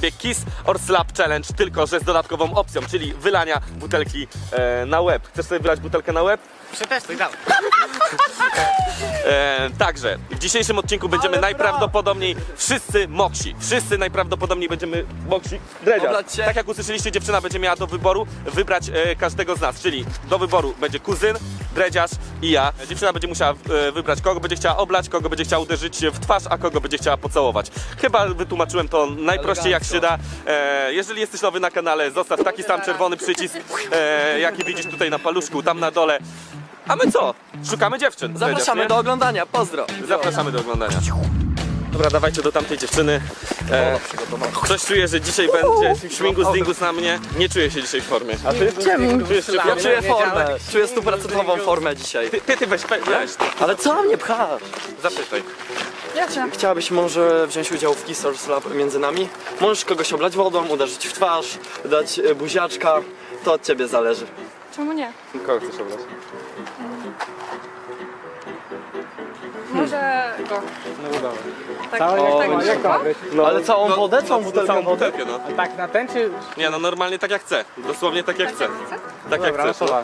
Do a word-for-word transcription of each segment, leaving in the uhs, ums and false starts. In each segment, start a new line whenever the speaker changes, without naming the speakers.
Kiss or Slap Challenge, tylko że z dodatkową opcją, czyli wylania butelki e, na łeb. Chcesz sobie wylać butelkę na łeb?
Przetestuj, dawaj.
E, także w dzisiejszym odcinku będziemy
Ale
najprawdopodobniej wszyscy moksi. Wszyscy najprawdopodobniej będziemy moksi. Dredziarz.
Oblać się.
Tak jak usłyszeliście, dziewczyna będzie miała do wyboru wybrać e, każdego z nas, czyli do wyboru będzie kuzyn, dredziarz i ja. Dziewczyna będzie musiała e, wybrać, kogo będzie chciała oblać, kogo będzie chciała uderzyć w twarz, a kogo będzie chciała pocałować. Chyba wytłumaczyłem to najprościej jak się da. E, jeżeli jesteś nowy na kanale, zostaw taki sam czerwony przycisk, e, jaki widzisz tutaj na paluszku, tam na dole. A my co? Szukamy dziewczyn.
Zapraszamy
Dredziarz, nie?
do oglądania, pozdro.
Zapraszamy do oglądania. Dobra, dawajcie do tamtej dziewczyny. E, coś czuję, że dzisiaj będzie śmigus dingus na mnie. Nie czuję się dzisiaj w formie. A ty?
Czemu?
Czujesz się w
Ja
formie?
czuję formę, czuję stuprocentową formę dzisiaj.
Ty, ty, ty weź, weź, weź.
Ale co mnie pchasz?
Zapytaj.
Ja cię.
Chciałabyś może wziąć udział w Kiss or Slap między nami? Możesz kogoś oblać wodą, uderzyć w twarz, dać e, buziaczka. To od ciebie zależy.
Czemu nie?
Kogo chcesz oblać?
Może go.
No udało.
Tak,
O,
tak, tak.
Jak to ma być?
No,
Ale całą
no,
wodę? Całą
no,
butelkę
całą
wody?
butelkę, no.
A tak na ten czy...
Nie, no normalnie tak jak chcę. Dosłownie tak jak chcę. Tak jak
Dobra, no
chcesz.
to
No.
wal.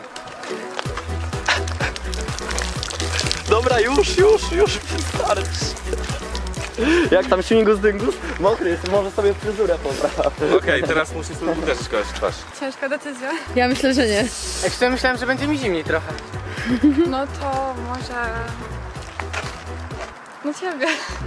Dobra, już, już, już, wystarczy. Jak tam śmigus dyngus? Mokry jest, może sobie fryzurę popraw.
Okej, teraz musisz sobie uderzyć kogoś w twarz.
Ciężka decyzja.
Ja myślę, że nie.
Jak szczerze myślałem, że będzie mi zimniej trochę.
No to może... No ciebie.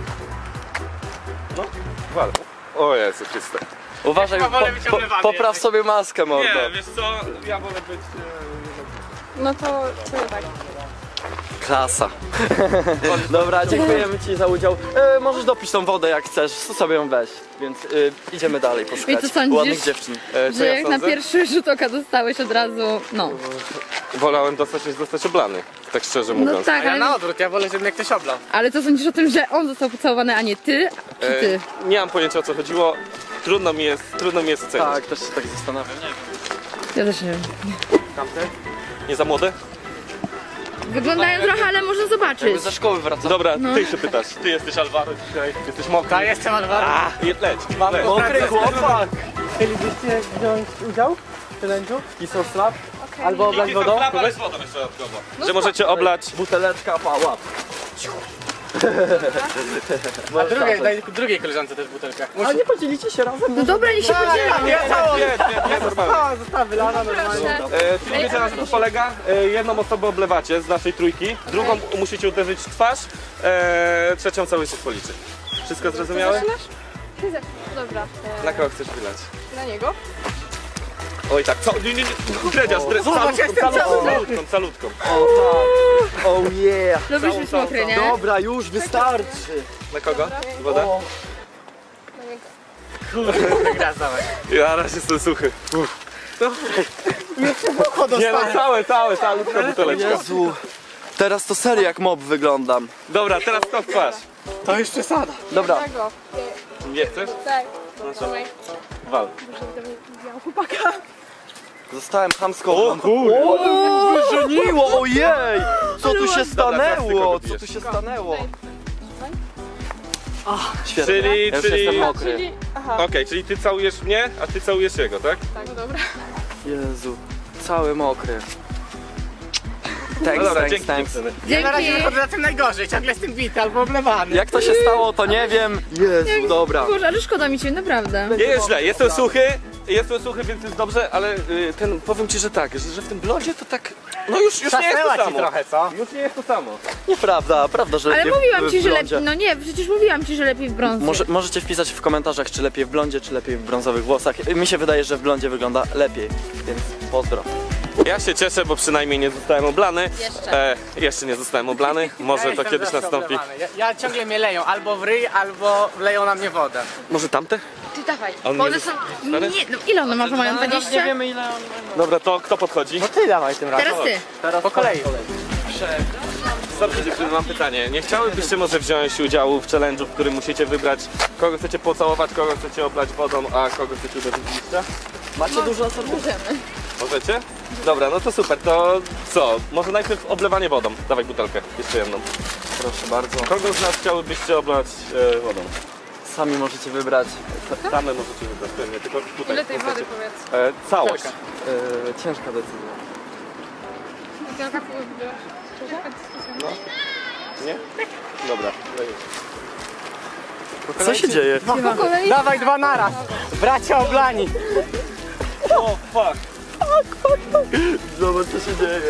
No, wal. O Jezu Chryste.
Uważaj,
chyba wolę
po,
być
po,
oblewany
popraw
jednak.
sobie maskę, mordo.
Nie, wiesz co? Ja wolę być...
No to ciebie tak.
Klasa. Dobra, dziękujemy ci za udział. E, możesz dopić tą wodę jak chcesz, to sobie ją weź. Więc e, idziemy dalej poszukać
I co sądzisz?
ładnych dziewczyn.
E, co
Że
ja
jak na
sądzę?
pierwszy rzut oka dostałeś od razu, no.
Wolałem dostać niż zostać oblany. Tak szczerze
No
mówiąc.
tak,
A ja na
ale,
odwrót, ja wolę, żeby mnie ktoś oblał.
ale co sądzisz o tym, że on został pocałowany, a nie ty? Czy ty?
E, nie mam pojęcia o co chodziło. Trudno mi jest, trudno mi jest ocenić.
Tak, też się tak zastanawiam.
Ja też nie wiem.
Tamte? Nie za młode?
Wyglądają trochę, ale można zobaczyć.
Jakby ze szkoły wracam.
Dobra, ty się pytasz. Ty jesteś Alvaro dzisiaj. Jesteś mokry.
Tak, jestem Alvaro.
A, je- leć. leć.
Mokry chłopak!
Chcielibyście wziąć udział w challenge'u? Kiss or Slap? Albo oblać
Kiss or
wodą?
slap, ale z wodą jeszcze dodatkowo. Że możecie oblać.
Buteleczka, pała.
A drugiej, daj drugiej koleżance też butelkę.
A nie podzielicie się razem?
No dobra, niech się podzielą.
Nie, całą!
Nie, nie, nie, normalnie.
Cała została wylana normalnie.
E, czyli wiecie na co to polega? E, jedną osobę oblewacie z naszej trójki, drugą musicie uderzyć w twarz, e, trzecią cały się policzy. Wszystko zrozumiałe?
Zaczynasz? Ty zaczynasz. Dobra. E,
Na kogo chcesz wylać?
na niego?
Oj tak, co? Nie, nie, nie. Dredziarz, dre,
Zobacz,
calutką,
jestem
calutką,
cały
calutką, calutką.
O tak. Oh yeah.
Lubisz być
całą,
mokry, nie?
Dobra, już wystarczy.
Na kogo? Woda?
O,
Na niego.
Gra, dawaj.
Ja raz jestem suchy. Nie no, całe, całe, calutka buteleczka.
Jezu. Teraz to serio jak mob wyglądam.
Dobra, teraz to w twarz.
To już przesada.
Dobra.
Na go.
Nie chcesz?
Tak. Trzymaj.
Wal.
Może widziałam chłopaka.
Zostałem chamsko.
O kurde.
O, wyżeniło, ojej! Co tu się
Dobra, teraz ty
stanęło?
kogo
Co
bijesz?
tu się stanęło? Świetnie.
Czyli,
Ja już
czyli...
jestem
Okej,
mokry.
Czyli... Aha.
czyli ty całujesz mnie, a ty całujesz jego, tak?
Tak, dobra.
Jezu, cały mokry.
No
Thanks,
dobra,
thanks,
dzięki
thanks.
dziewczyny.
Ja na razie
Dzięki.
wychodzę na tym najgorzej, ciągle jestem bity albo oblewany.
Jak to się stało, to nie wiem. Jezu, dobra.
Boże, ale szkoda mi cię, naprawdę.
Nie jest źle, jestem suchy, jestem suchy, więc jest dobrze, ale y, ten, powiem ci, że tak, że, że w tym blodzie to tak, no już, już nie jest to
Zasnęła ci
samo.
trochę, co?
Już nie jest to samo.
Nieprawda, prawda, że
Ale
lepiej
mówiłam
w,
ci,
w
że
blondzie.
lepiej. No nie, przecież mówiłam ci, że lepiej w brązie.
Może, możecie wpisać w komentarzach, czy lepiej w blondzie, czy lepiej w brązowych włosach. Mi się wydaje, że w blondzie wygląda lepiej, więc pozdro.
Ja się cieszę, bo przynajmniej nie zostałem oblany.
Jeszcze.
E, jeszcze nie zostałem oblany,
Ja
może to
jestem
kiedyś
zawsze
nastąpi.
oblewany. Ja, ja ciągle mnie leją, albo w ryj, albo wleją na mnie wodę.
Może tamte?
Ty dawaj.
On
Bo
nie
one
jest-
są...
stary?
Nie, no ile one ma, że mają dwadzieścia?
wiemy ile on...
Dobra, to kto podchodzi?
No ty dawaj tym razem.
Teraz ty.
Teraz
Po kolei.
Dobrze dziewczyny, mam pytanie. Nie chciałybyście może wziąć udziału w challenge'u, w którym musicie wybrać, kogo chcecie pocałować, kogo chcecie oblać wodą, a kogo chcecie uderzyć w liścia?
Macie dużo asortymentu.
Możemy.
Możecie? Dobra, no to super, to co? Może najpierw oblewanie wodą. Dawaj butelkę, jeszcze jedną.
Proszę bardzo.
Kogo z nas chciałybyście oblać e, wodą?
sami możecie wybrać.
Same możecie wybrać, pewnie, tylko tutaj.
Ile tej wody
możecie.
powiedz?
E, całość.
E, ciężka decyzja.
Jaka wybierasz? Jaka dyskusja?
Nie? Dobra.
Co się dzieje?
Po kolei?
Dawaj dwa naraz. Bracia oblani.
O, fuck.
Zobacz co się dzieje.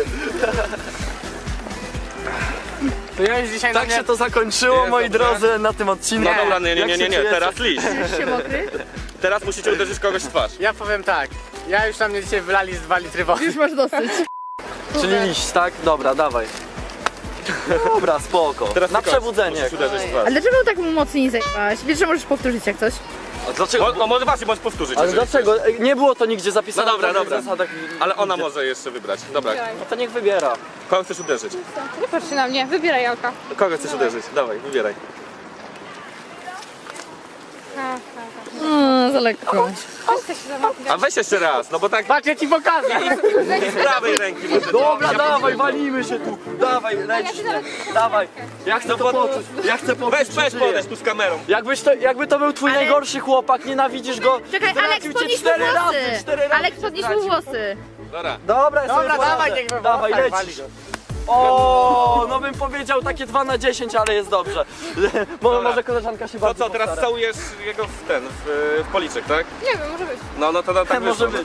To ja już dzisiaj na
Tak
mnie...
się to zakończyło,
Jest
moi
dobrze.
drodzy, na tym odcinku.
No dobra, nie, nie,
Jak
nie,
się
nie, nie,
czujecie?
teraz liść.
Czujesz się mokry?
Teraz musicie uderzyć kogoś w twarz.
Ja powiem tak. Ja już na mnie dzisiaj wylali z dwa litry wody.
Już masz dosyć.
Czyli liść, tak? Dobra, dawaj. Dobra, spoko.
Teraz
Na
tylko
przebudzenie.
musisz uderzyć w twarz.
Ale dlaczego tak mocniej zajmowałaś? Wiesz, że możesz powtórzyć jak coś?
A dlaczego?
Mo, no może właśnie, bądź powtórzyć.
Ale
jeżeli
dlaczego? Nie było to nigdzie zapisane.
No dobra,
w żadnych
dobra.
zasadach.
chcesz. Ale ona może jeszcze wybrać. Dobra,
No to niech wybiera.
kogo chcesz uderzyć?
Nie patrz się na mnie, wybieraj Jalka.
Kogo chcesz uderzyć? Dawaj, wybieraj.
Ha, ha, ha.
Mm, za lekko.
Chodź się zamknąć.
A weź jeszcze raz, no bo tak
Patrz, ja ci pokażę.
z prawej ręki może.
Dobra, dawaj, walimy się tu. Dawaj, lecisz mnie. Dawaj. Ja chcę to poczuć. Ja chcę poczuć,
Weź,
że
weź
żyję.
podejść tu z kamerą.
Jakbyś to, jakby to był twój
Ale-
najgorszy chłopak, nienawidzisz go.
Czekaj,
zdradził
Aleks,
cię
podnieś mu
cztery razy,
włosy.
cztery razy
Aleks,
cię
podnieś mu
zdradził.
włosy.
Dobra.
Dobra, ja sobie
Dobra,
poradzę.
dawaj, niech we
Dawaj,
włosach
lecisz.
wali go.
O, no bym powiedział takie dwa na dziesięć, ale jest dobrze. Może,
Dobra.
może koleżanka się
To
bardzo
co, teraz
postara.
całujesz jego w ten, w, w policzek, tak?
Nie wiem, może być.
No, no to no, tak
Może
wyszło.
być.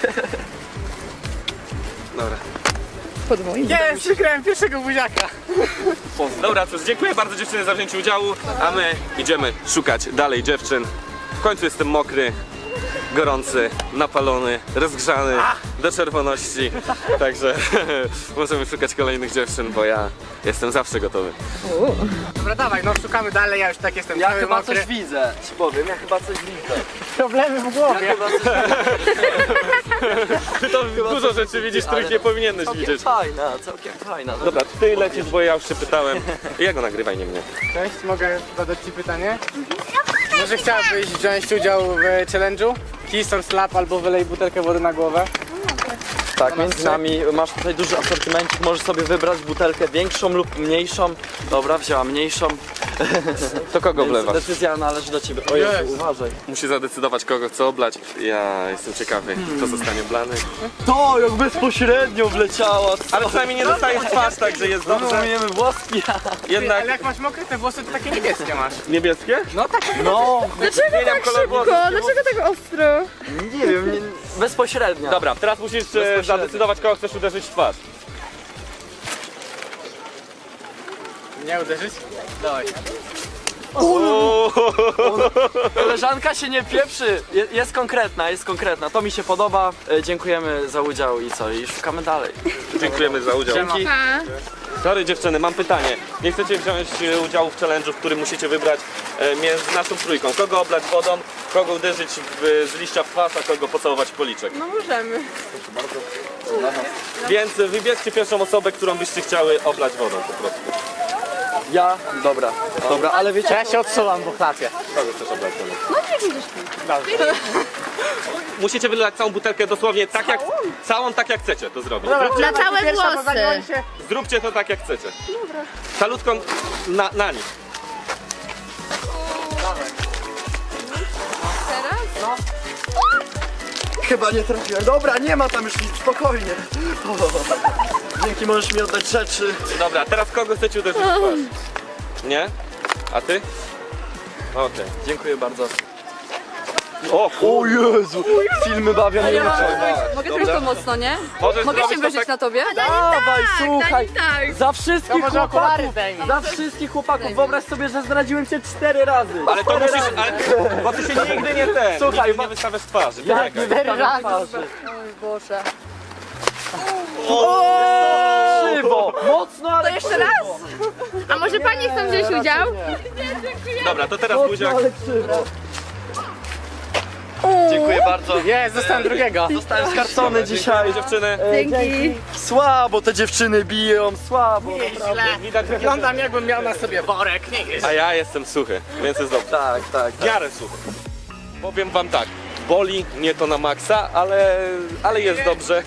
Dobra.
Pod moim.
Jest, przykrałem pierwszego buziaka.
Dobra, cóż, dziękuję bardzo dziewczyny za wzięcie udziału, a my idziemy szukać dalej dziewczyn. W końcu jestem mokry, gorący, napalony, rozgrzany do czerwoności, także możemy szukać kolejnych dziewczyn, bo ja jestem zawsze gotowy.
Dobra, dawaj, no szukamy dalej, ja już tak jestem
Ja
cały
chyba
mokry.
coś widzę, ci powiem, ja chyba coś widzę.
Problemy w głowie.
Ja chyba coś widzę.
Ty to dużo rzeczy widzisz, których nie powinieneś
Całkiem
widzieć.
fajna, całkiem fajna.
Dobra, ty lecisz, bo ja już się pytałem. Jego nagrywaj, nie mnie.
Cześć, mogę zadać ci pytanie? Może chciałabyś wziąć udział w challenge'u? Kiss or slap albo wylej butelkę wody na głowę?
Tak, między nami masz tutaj duży asortymencik, możesz sobie wybrać butelkę większą lub mniejszą. Dobra, wzięła mniejszą.
To kogo
Więc
wlewasz?
decyzja należy do ciebie. O Jezu,
Jest.
uważaj.
Musi zadecydować, kogo chce oblać. Ja jestem ciekawy, kto zostanie blany.
To jak bezpośrednio wleciała. co?
Ale przynajmniej nie dostajesz twarz, także jest dobrze.
Umiemy włoski.
Ty,
Jednak
ale jak masz mokre te włosy, to takie niebieskie masz.
niebieskie?
No tak.
No,
Dlaczego
Zmieniam
tak
kolor
szybko?
włosów.
Dlaczego tak ostro?
nie wiem, nie, bezpośrednio.
Dobra, teraz musisz e, zadecydować, kogo chcesz uderzyć w twarz.
Nie uderzyć? Dawaj.
Uuu.
Koleżanka się nie pieprzy. Je, jest konkretna, jest konkretna. To mi się podoba. E, dziękujemy za udział i co? I szukamy dalej.
Dziękujemy za udział.
Siema.
Pa.
Sorry dziewczyny, mam pytanie. Nie chcecie wziąć e, udziału w challenge'u, w którym musicie wybrać e, między naszą trójką. Kogo oblać wodą, kogo uderzyć w, z liścia w twarz, a kogo pocałować w policzek.
No możemy.
Więc wybierzcie pierwszą osobę, którą byście chciały oblać wodą po prostu.
Ja? Dobra, dobra, ale wiecie...
Ja się odsuwam, bo chlapię.
Kogo chcesz oblać wodą?
No nie widzisz.
Dobrze.
Musicie wylać całą butelkę dosłownie tak jak, całą tak jak chcecie to zrobić.
Dobra,
Na całe
pierwsza, bo
włosy.
zagoni się.
Zróbcie to tak jak chcecie. Dobra. Salutką na, na nich.
Teraz?
Chyba nie trafiłem. Dobra, nie ma tam już nic, spokojnie. O, dzięki, możesz mi oddać rzeczy.
Dobra, teraz kogo chcecie uderzyć w twarz? Nie? A ty? Okej.
Dziękuję bardzo.
O
O Jezu, filmy bawią mnie uczą.
Mogę tylko mocno, nie?
Możesz
Mogę
zrobić
się
to
wyżyć
tak-
na tobie?
Dawaj, słuchaj.
Tak.
Za
To
wszystkich
może okulary
chłopaków,
zdejmij.
za wszystkich chłopaków, wyobraź sobie, że zdradziłem cię cztery razy.
Ale to
Cztery
musisz,
razy.
ale, bo ty się nigdy nie ten,
Słuchaj,
nigdy
bo-
nie wystawiasz twarzy.
Jak
Poczekaj.
cztery
razy.
razy.
Oj Boże.
Krzywo, mocno, ale
To jeszcze raz?
A może pani chcą wziąć udział?
Dobra, to teraz
Mocno,
buziak.
ale krzywo. Dziękuję bardzo.
Jest, zostałem drugiego.
Zostałem skarcony dzisiaj.
Dziewczyny.
E,
Dzięki.
Słabo te dziewczyny biją, słabo.
Nieźle.
Widać,
Wyglądam, jakbym miał na sobie worek, nie jest.
a ja jestem suchy, więc jest dobrze.
Tak, tak.
W miarę suchy. Powiem wam tak, boli nie to na maksa, ale, ale jest dobrze.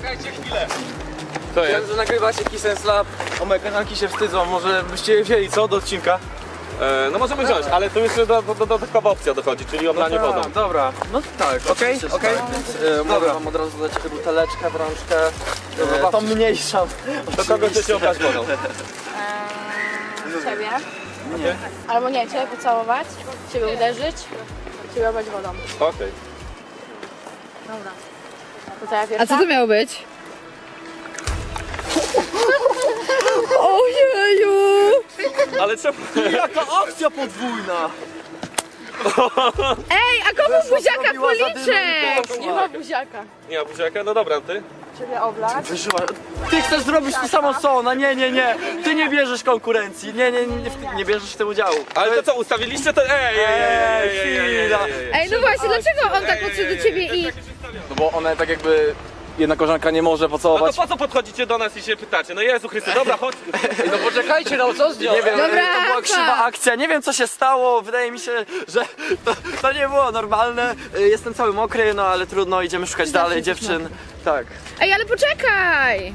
To jest.
Że nagrywacie Kiss and Slap, o moje kanalki się wstydzą, może byście je wzięli, co, do odcinka?
E, no możemy wziąć, ale tu jeszcze do- do- do- dodatkowa opcja dochodzi, czyli oblanie wodą.
A, dobra, no tak, okej,
Okej,
okej.
okej.
Więc, e, mogę wam od razu dać buteleczkę w rączkę. E, tą mniejszą.
Do kogo chcecie oblać wodą?
Ciebie. Albo nie, ciebie pocałować, ciebie uderzyć, ciebie oblać wodą.
Okej.
Dobra. To co ja
A
pierwsza?
co to miało być? Ojeju!
Ale czemu?
Jaka akcja podwójna!
Ej, a komu buziaka
zrobiła za
policzek?
Nie ma buziaka.
Nie ma buziaka? No dobra, ty?
Ciebie oblać.
Wyżyła. Ty chcesz zrobić to samo co ona, nie, nie, nie. Ty nie bierzesz konkurencji, nie, nie, nie, w- nie bierzesz w tym udziału.
Ale to co, ustawiliście to? Ej, ej, ej, ej, ej, ej, ej, ej, ej.
Ej, no właśnie, dlaczego on tak podszedł do ciebie i...
No bo one tak jakby... Jedna koleżanka nie może
No to
pocałować.
po co podchodzicie do nas i się pytacie? No Jezu Chryste, dobra, chodź.
No poczekajcie, no co zdjąć?
Nie wiem,
Dobra,
to była
Rafa.
krzywa akcja, nie wiem co się stało, wydaje mi się, że to, to nie było normalne. Y, Jestem cały mokry, no ale trudno, idziemy szukać dalej dziewczyn. Tak.
Ej, ale poczekaj!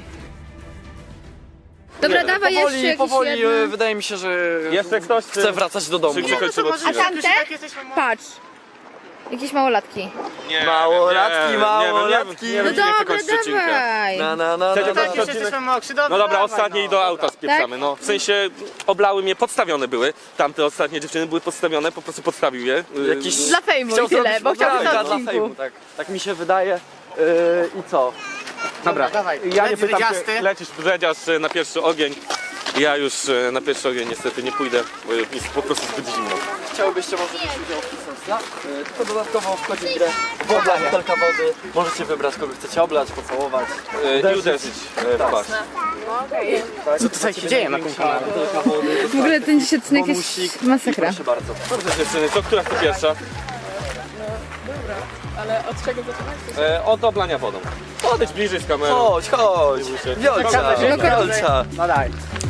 Dobra, dawaj jeszcze
Powoli,
jakiś
powoli, y,
jeden.
wydaje mi się, że
Jeszcze ktoś
chcę wracać do domu.
Czy gdzie kończymy
A
odcinek?
tamte? Patrz. Jakieś małolatki.
Nie,
Małolatki,
nie wiem, nie wiem,
małolatki.
nie wiem,
No
nie wiem, gdzie
dobra,
kończyć odcinka.
dawaj.
Na, na, na,
Chcecie
na, na.
kończyć
Już
odcinek?
jesteśmy mokrzy, dobra,
No dobra,
dawaj,
ostatnie
no.
i do auta spieprzamy. No, w sensie oblały mnie, podstawione były. Tamte ostatnie dziewczyny były podstawione, po prostu podstawił je. Y,
Jakiś...
Dla fejmu
Chciał
i tyle,
zrobić
bo chciałbym
podrabia
na
dla
odcinku.
fejmu, tak, tak mi się wydaje. Yy, I co?
Dobra, dawaj.
Ja nie
Lec
pytam
dredziasty.
się, lecisz dredziarz y, na pierwszy ogień. Ja już y, na pierwszy ogień niestety nie pójdę, bo jest po prostu zbyt zimno.
Chciałbyście może wziąć udział w Kisonsla? Yy, Tylko dodatkowo wchodzi w grę woda, butelka wody. Możecie wybrać kogo chcecie oblać, pocałować.
Y, I uderzyć y, w twarz.
Co tutaj się dzieje na tym kanale?
Butelka wody.
W ogóle ten dzisiaj odcinek jest
Bonusik.
masakra.
Proszę bardzo.
Dobrze dziewczyny, to która chce pierwsza?
Ale od czego zaczynać?
E, od oblania wodą. Podejdź bliżej z kamerą.
Chodź, chodź. Wiolcia,
Czekamy,
Wiolcia.
No daj.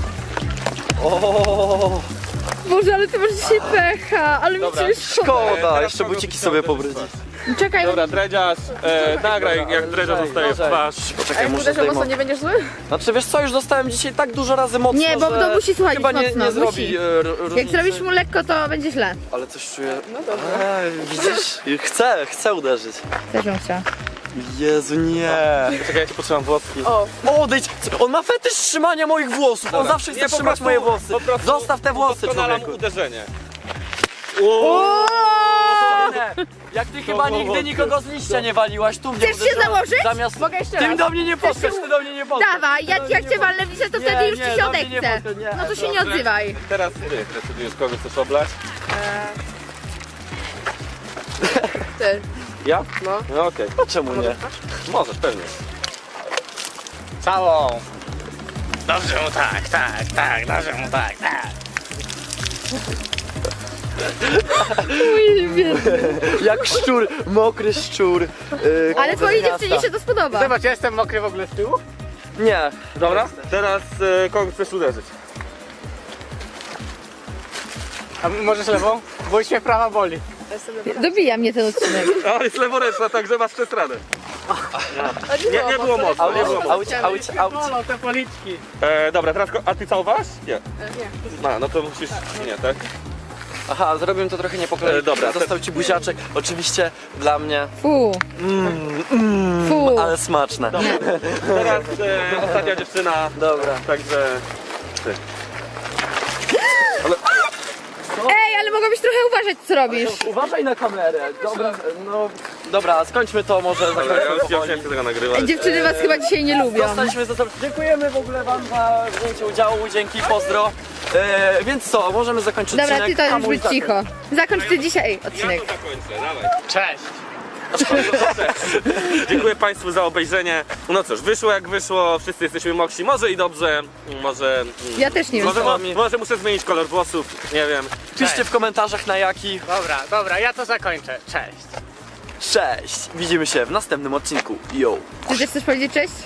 O,
Boże, ale ty masz dzisiaj pecha, ale mi
Dobra.
cię szkoda.
szkoda,
teraz
jeszcze
kogo
buciki
byś
sobie
chciał
pobrudzić.
Czekaj,
Dobra, dredziarz, e, nagraj jak dredziarz
Lżej,
zostaje w
lżej.
twarz.
Poczekaj, muszę
Uderzę mocno,
zdejmować.
nie będziesz zły?
Znaczy wiesz co, już dostałem dzisiaj tak dużo razy mocno,
Nie, bo
że
to musi słuchać
chyba nie,
mocno,
nie
musi.
zrobi e, r-
jak
różnicy.
zrobisz mu lekko, to będzie źle.
Ale coś czuję. No dobra. Widzisz? Chcę, chcę uderzyć.
Też bym chciała.
Jezu, nie.
Czekaj, ja ci potrzebam włoski.
O,
Odejdź! On ma fetysz trzymania moich włosów. On
Dobra.
zawsze chce
Nie, po
trzymać
prostu-
moje włosy.
po prostu
Zostaw te włosy,
udoskonalam
człowieku.
uderzenie.
Nie. Jak ty chyba nigdy nikogo z liścia nie waliłaś, tu mnie
Chcesz się
uderzyłaś.
założyć?
Zamiast...
mogę jeszcze
Ty
raz?
do mnie nie podskocz, ty do mnie nie podskocz.
Dawaj, jak, jak cię walnę w lice, to
Nie,
wtedy już
nie,
ci się
do mnie nie
odechce.
podchodź, nie.
No to się nie
Dobrze.
odzywaj.
Teraz ty decydujesz, kogo chcesz oblać.
Ty.
Ja?
No.
No okej.
No czemu nie?
Możesz, pewnie.
Całą. Dobrze mu tak, tak, tak, dobrze mu tak, tak.
Mój biedny.
Jak szczur, mokry szczur. Yy,
Ale twojej
miasta.
dziewczynie się to spodoba.
Zobacz, ja jestem mokry w ogóle z tyłu.
Nie.
Dobra, teraz e, kogo chcesz uderzyć?
A możesz lewą? Bo już mnie prawa boli.
Dobija mnie ten odcinek.
O, jest leworęczna, także masz przestradę.
A
Nie, nie było mocno, nie było mocno.
Auć, auć, auć.
Bolą te policzki.
E, dobra, teraz ko- a ty całowałaś? Nie.
Nie.
No, no to musisz... Nie, tak?
Aha, zrobiłem to trochę nie po kolei.
E, dobra,
Został ci buziaczek. Oczywiście dla mnie,
Fu. Fu.
ale smaczne.
Teraz e, ostatnia dziewczyna,
Dobra.
także... Ty.
Ej, ale mogłabyś trochę uważać, co robisz.
Uważaj na kamerę. Dobra, no. Dobra, skończmy to może.
Dobra, ja
zakończmy
już ja
powoli.
musiałem tego nagrywać.
Dziewczyny was chyba dzisiaj nie lubią.
Zostaliśmy za to. Dziękujemy w ogóle wam za wzięcie udziału, dzięki, pozdro. E, więc co, możemy zakończyć
Dobra,
odcinek.
ty to już
Hamuj
być
zakończ.
cicho. Zakończ ty dzisiaj
Ja
odcinek.
to zakończę, dawaj.
Cześć.
Dziękuję Państwu za obejrzenie. No cóż, wyszło jak wyszło, wszyscy jesteśmy mokrzy. Może i dobrze, może...
Ja też nie wiem.
Może, mo,
mi.
może muszę zmienić kolor włosów, nie wiem.
Piszcie w komentarzach na jaki.
Dobra, dobra, ja to zakończę. Cześć.
Cześć! Widzimy się w następnym odcinku. Yo!
Ty też chcesz powiedzieć cześć?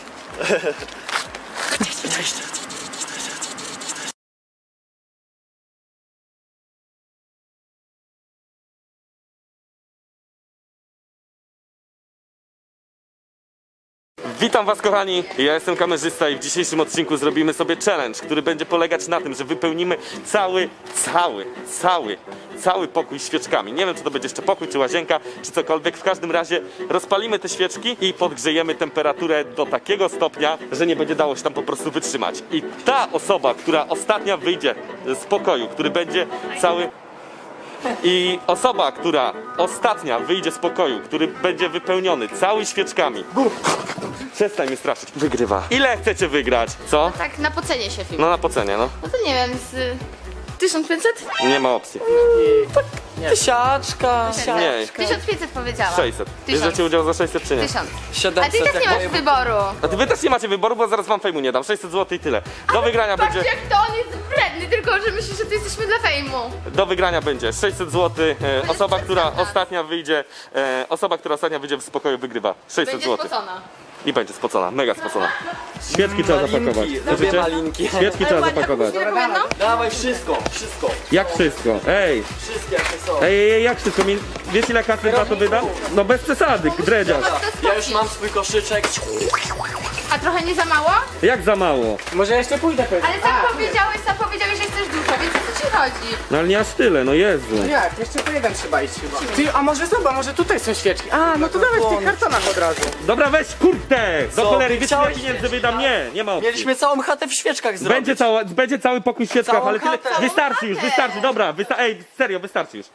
Witam was kochani, ja jestem kamerzysta i w dzisiejszym odcinku zrobimy sobie challenge, który będzie polegać na tym, że wypełnimy cały, cały, cały, cały pokój świeczkami. Nie wiem, czy to będzie jeszcze pokój, czy łazienka, czy cokolwiek. W każdym razie rozpalimy te świeczki i podgrzejemy temperaturę do takiego stopnia, że nie będzie dało się tam po prostu wytrzymać. I ta osoba, która ostatnia wyjdzie z pokoju, który będzie cały... I osoba, która ostatnia wyjdzie z pokoju, który będzie wypełniony cały świeczkami. Przestań mnie straszyć. Wygrywa. Ile chcecie wygrać? Co?
Tak, na pocenie się film.
No na pocenie, no.
No to nie wiem, z tysiąc pięćset?
Nie ma opcji.
Tysiaczka.
Nie.
tysiąc pięćset powiedziałam.
sześćset.
Tysiąc.
Bierzecie udział za sześćset czy nie?
Tysiąc. A ty
siedemset.
też nie masz
jak
wyboru.
A ty wy też nie macie wyboru, bo zaraz wam fejmu nie dam. sześćset złotych i tyle. Do wygrania
Patrz
będzie...
jak to on jest wredny, tylko że myślisz, że tu jesteśmy dla fejmu.
Do wygrania będzie sześćset złotych. E, osoba, która
przesadzać.
ostatnia wyjdzie... E, osoba, która ostatnia wyjdzie z pokoju wygrywa. sześćset
Będzie
złotych.
spocona.
I będzie spocona. Mega spocona. Świeczki trzeba
Malinki,
zapakować.
lubię
Słyszycie?
malinki.
Świeczki trzeba zapakować.
No?
Dawaj wszystko, wszystko.
Jak wszystko? Ej!
Wszystkie jakie są.
Ej, ej, ej, jak wszystko? Mi- Wiesz ile kasy za to wydam? No bez przesady, dredziarz.
Ja już mam swój koszyczek.
A trochę nie za mało?
Jak za mało?
Może jeszcze pójdę pewnie.
Ale sam powiedziałeś, sam powiedziałeś, że chcesz dużo, więc o co ci chodzi?
No ale nie aż tyle, no Jezu.
Jak? Jeszcze po jeden trzeba iść chyba. Ty, a może zobacz, może tutaj są świeczki. A, no to dawaj w tych kartonach od razu.
Dobra, weź kurde! Do
Co,
cholery,
ty
wiesz ile
chciałeś
pieniędzy wydam? Nie, nie ma opcji.
Mieliśmy całą chatę w świeczkach zrobić.
Będzie, cała, będzie cały pokój w świeczkach,
Całą
ale tyle...
chatę.
Wystarczy już,
Całą
wystarczy, dobra, wysta ej, serio, wystarczy już.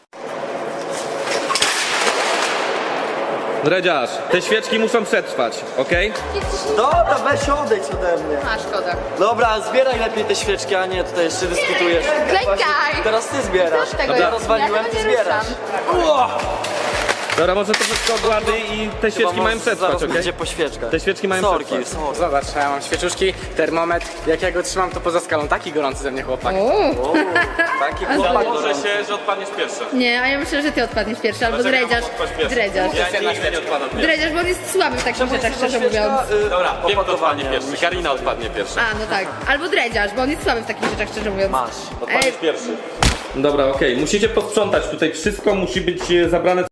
Dredziarz, te świeczki muszą przetrwać, okej?
Dobra, weź odejdź ode mnie.
A, szkoda.
Dobra, zbieraj lepiej te świeczki, a nie tutaj jeszcze dyskutujesz.
Klękaj!
Teraz ty zbierasz.
Co z tego?
Ja rozwaliłem,
Ja
ty
tego nie
zbierasz.
Dobra, może to wszystko ogłady i te świeczki mają przetrwać,
Zaraz
okej?
będzie po świeczkach.
Te świeczki mają
Sorki,
przetrwać.
sorki.
Zobacz, ja mam świeczuszki, termometr. Jak ja go trzymam, to poza skalą taki gorący ze mnie chłopak.
O, taki chłopak.
Może się, że odpadniesz pierwszy.
Nie, a ja myślę, że ty odpadniesz pierwszy, albo
Dlaczego
dredziarz.
mam odpaść pierwszy?
Dredziarz.
Ja nigdy nie odpadam pierwszy.
Dredziarz, bo on jest słaby w takich
Czemu
rzeczach,
jest ta
szczerze mówiąc.
świeczka, y,
Dobra, wiem kto
opakowanie?
odpadnie pierwszy. Karina odpadnie pierwsza.
A, no tak. Albo dredziarz, bo on jest słaby w takich rzeczach, szczerze mówiąc.
Masz.
Odpadniesz pierwszy. Dobra, okej, musicie posprzątać tutaj wszystko, musi być e, zabrane